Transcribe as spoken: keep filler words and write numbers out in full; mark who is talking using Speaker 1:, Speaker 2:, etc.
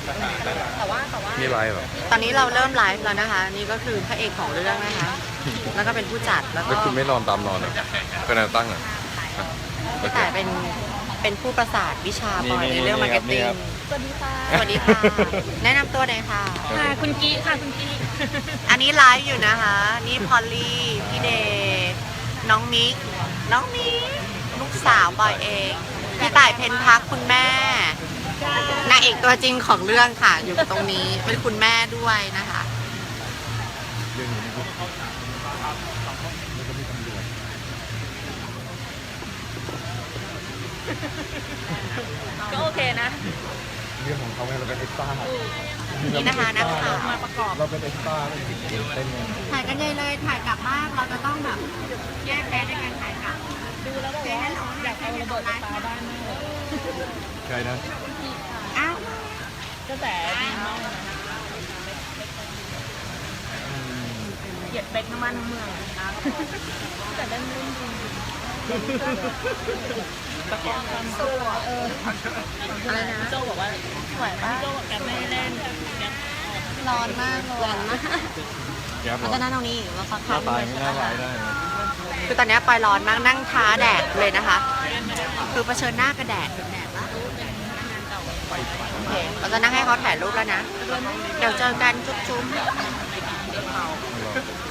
Speaker 1: นี่ไลฟ์เหรอ
Speaker 2: ตอนนี้เราเริ่มไลฟ์แล้วนะคะ นี่ก็คือพระเอกของเรื่องนะคะ แล้วก็เป็นผู้จัดแล้วก็
Speaker 1: แล้วคุณไม่นอนตามนอนเหรอเป็นแนวตั้งเหรอ
Speaker 2: พี่ต่ายเป็นเป็นผู้ประสานวิชาบอยในเรื่องมาร์เก็ตติ้ง
Speaker 3: สวัสดีค่ะ
Speaker 2: สวัสดีค่ะ แนะนำตัวหน่อยค่ะ
Speaker 3: ค่ะคุณกี้ค่ะคุณกี้
Speaker 2: อันนี้ไลฟ์อยู่นะคะ นี่พอลลี่พี่เดย์น้องมิก น้องมิกลูกสาวบอยเองพี่ต่ายเพนพักคุณแม่นางเอกตัวจริงของเรื่องค่ะ อยู่ตรงนี้เป็นคุณแม่ด้วยนะคะ
Speaker 1: เรื่องนี้นี่ก็
Speaker 3: ก็โอเคนะ
Speaker 1: เรื่องของเขาไงเราเป็นเอ็กซ์ต้า
Speaker 2: นี่นะคะนักข่าว
Speaker 3: มาประกอบ
Speaker 1: เราเป็นเอ็กซ์ต้าเต้นไง
Speaker 2: ถ่ายกันใหญ่เลยถ่ายกลับบ้านเราจะต้องแบบแยกแยะในการถ่ายกลับ
Speaker 3: ดูแล้วบอกว่าอยากเอาระเบิดไฟฟ้าบ้านมากเลย
Speaker 1: ใครนะ
Speaker 2: อ้าว
Speaker 3: กระแสดีมากนะเกลียดเป็กทั้งบ้านทั้งเมืองแต่เล่นเล่นจริงตะกอนความสู้เออ
Speaker 2: อะไรนะ
Speaker 3: โจบอกว่าไหวป่ะโจบอกแกไม่เล่นแก
Speaker 2: ร้อนมากร้อนมาก
Speaker 1: แก๊ปเหร
Speaker 2: เรา
Speaker 1: อ
Speaker 2: จะนั่งตรงนี้เราสัก
Speaker 1: ห
Speaker 2: พั
Speaker 1: น้าก ตายไม่น่าร้ายได้นะ
Speaker 2: คือตอนนี้ปอยร้อนมากนั่งท้าแดดเลยนะคะ คือเผชิญหน้ากับแดดแดดละโอเคเราจะนั่งให้เขาถ่ายรูปแล้วนะ เดี๋ยวเจอกันจุ๊บๆ